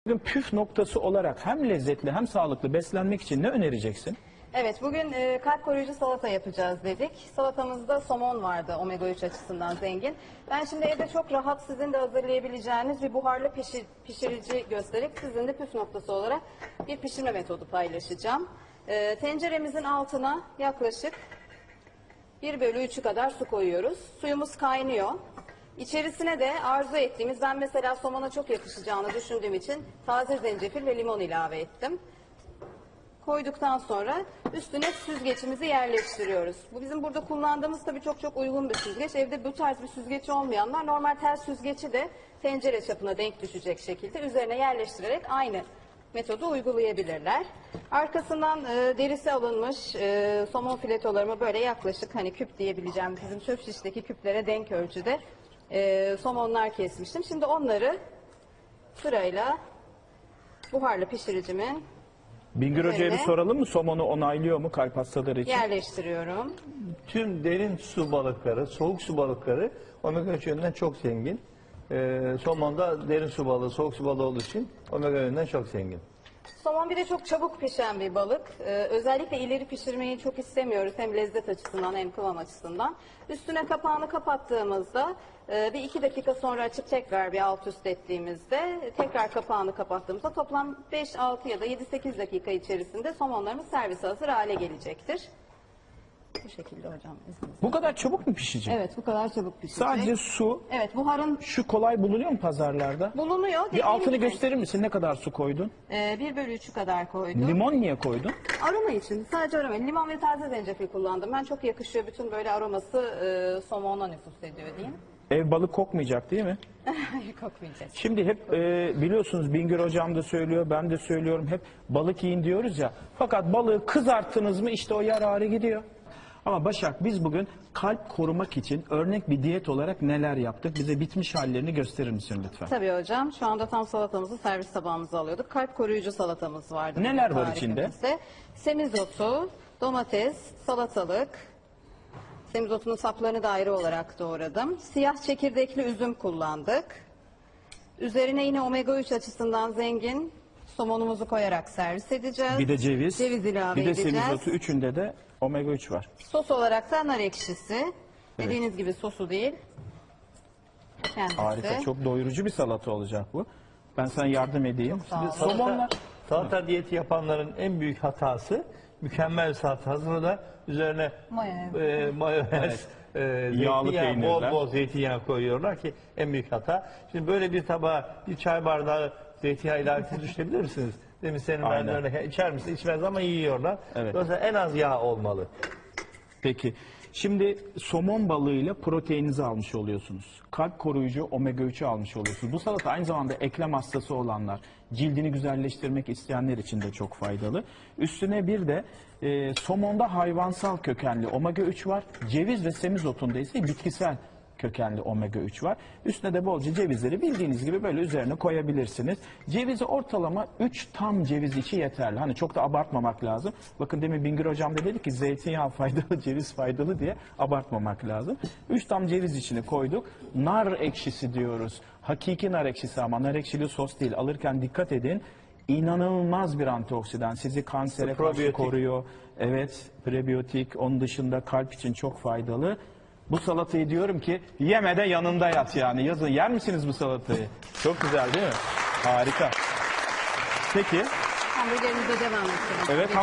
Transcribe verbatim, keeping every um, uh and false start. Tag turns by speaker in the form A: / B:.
A: Bugün püf noktası olarak hem lezzetli hem sağlıklı beslenmek için ne önereceksin?
B: Evet, bugün e, kalp koruyucu salata yapacağız dedik. Salatamızda somon vardı, omega üç açısından zengin. Ben şimdi evde çok rahat sizin de hazırlayabileceğiniz bir buharlı pişir, pişirici gösterip sizin de püf noktası olarak bir pişirme metodu paylaşacağım. E, tenceremizin altına yaklaşık bir bölü üçü kadar su koyuyoruz. Suyumuz kaynıyor. İçerisine de arzu ettiğimiz, ben mesela somona çok yakışacağını düşündüğüm için taze zencefil ve limon ilave ettim. Koyduktan sonra üstüne süzgecimizi yerleştiriyoruz. Bu bizim burada kullandığımız tabii çok çok uygun bir süzgeç. Evde bu tarz bir süzgeç olmayanlar normal tel süzgeci de tencere çapına denk düşecek şekilde üzerine yerleştirerek aynı metodu uygulayabilirler. Arkasından e, derisi alınmış e, somon filetolarımı böyle yaklaşık hani küp diyebileceğim bizim çöp şişteki küplere denk ölçüde e, somonlar kesmiştim. Şimdi onları sırayla buharlı pişiricimin
A: Bingöl Hoca'ya bir
B: Üzerine-
A: soralım mı? Somonu onaylıyor mu kalp hastaları için?
B: yerleştiriyorum.
C: Tüm derin su balıkları, soğuk su balıkları omega üç yönünden çok zengin. Ee, somon da derin su balığı, soğuk su balığı olduğu için omega yönünden çok zengin.
B: Somon bir de çok çabuk pişen bir balık. Ee, özellikle ileri pişirmeyi çok istemiyoruz. Hem lezzet açısından hem kıvam açısından. Üstüne kapağını kapattığımızda e, bir iki dakika sonra açıp tekrar bir alt üst ettiğimizde tekrar kapağını kapattığımızda toplam beş altı ya da yedi sekiz dakika içerisinde somonlarımız servise hazır hale gelecektir. Bu şekilde hocam izninizle.
A: Bu kadar çabuk mu pişecek?
B: Evet, bu kadar çabuk pişecek.
A: Sadece su,
B: Evet, buharın
A: şu kolay bulunuyor mu pazarlarda?
B: bulunuyor. Dediğim
A: Bir altını
B: gibi,
A: gösterir misin? Ne kadar su koydun?
B: e, bir bölü üçü kadar koydum.
A: Limon niye koydun?
B: Aroma için, sadece aroma. Limon ve taze zencefil kullandım. Ben çok yakışıyor. Bütün böyle aroması e, somona nüfuz ediyor diyeyim.
A: Ev balık kokmayacak değil mi?
B: Hayır, kokmayacağız.
A: Şimdi hep e, biliyorsunuz Bingöl Hocam da söylüyor, ben de söylüyorum. Hep balık yiyin diyoruz ya. Fakat balığı kızarttınız mı işte o yararı gidiyor. Ama Başak, biz bugün kalp korumak için örnek bir diyet olarak neler yaptık? Bize bitmiş hallerini gösterir misin lütfen?
B: Tabii hocam. Şu anda tam salatamızı servis tabağımıza alıyorduk. Kalp koruyucu salatamız vardı.
A: Neler
B: bizim
A: var içinde?
B: tarifimizde. Semizotu, domates, salatalık. Semizotunun saplarını da ayrı olarak doğradım. Siyah çekirdekli üzüm kullandık. Üzerine yine omega üç açısından zengin somonumuzu koyarak servis edeceğiz.
A: Bir de ceviz,
B: Ceviz ilave
A: bir de
B: edeceğiz.
A: semizotu, üçünde de omega üç var.
B: Sos olarak da nar ekşisi. Dediğiniz gibi sosu değil. Kendisi.
A: Harika, çok doyurucu bir salata olacak bu. Ben sana yardım edeyim.
B: Çok sağ olun.
A: Somonla
C: Salata diyeti yapanların en büyük hatası mükemmel bir salata hazırlar. Üzerine
B: Mayonez.
C: e, mayonez, e,
A: Yağlı
C: zeytinyağı,
A: peynirler.
C: bol bol zeytinyağı koyuyorlar ki en büyük hata. Şimdi böyle bir tabağa bir çay bardağı zeytinyağı ilavesi düşünebilir misiniz? Demin senin
A: Aynen.
C: verdiğin örnek, içer misin? İçmez ama yiyorlar.
A: Evet.
C: Dolayısıyla en az yağ olmalı.
A: Peki, şimdi somon balığıyla proteininizi almış oluyorsunuz. Kalp koruyucu omega üçü almış oluyorsunuz. Bu salata aynı zamanda eklem hastası olanlar, cildini güzelleştirmek isteyenler için de çok faydalı. Üstüne bir de e, somonda hayvansal kökenli omega üç var. Ceviz ve semizotunda ise bitkisel kökenli omega üç var. Üstüne de bolca cevizleri bildiğiniz gibi böyle üzerine koyabilirsiniz. Cevizi ortalama üç tam ceviz içi yeterli. Hani çok da abartmamak lazım. Bakın demin Bingöl Hocam da dedi ki zeytinyağı faydalı, ceviz faydalı diye abartmamak lazım. üç tam ceviz içine koyduk. Nar ekşisi diyoruz. Hakiki nar ekşisi ama nar ekşili sos değil. Alırken dikkat edin. İnanılmaz bir antioksidan. Sizi kansere karşı
C: Probiyotik.
A: koruyor. Evet, prebiyotik. Onun dışında kalp için çok faydalı. Bu salatayı diyorum ki yeme de yanında yat yani. Yazın yer misiniz bu salatayı? Çok güzel değil mi? Harika. Peki.
B: Hamburgerimize devam edelim.
A: Evet.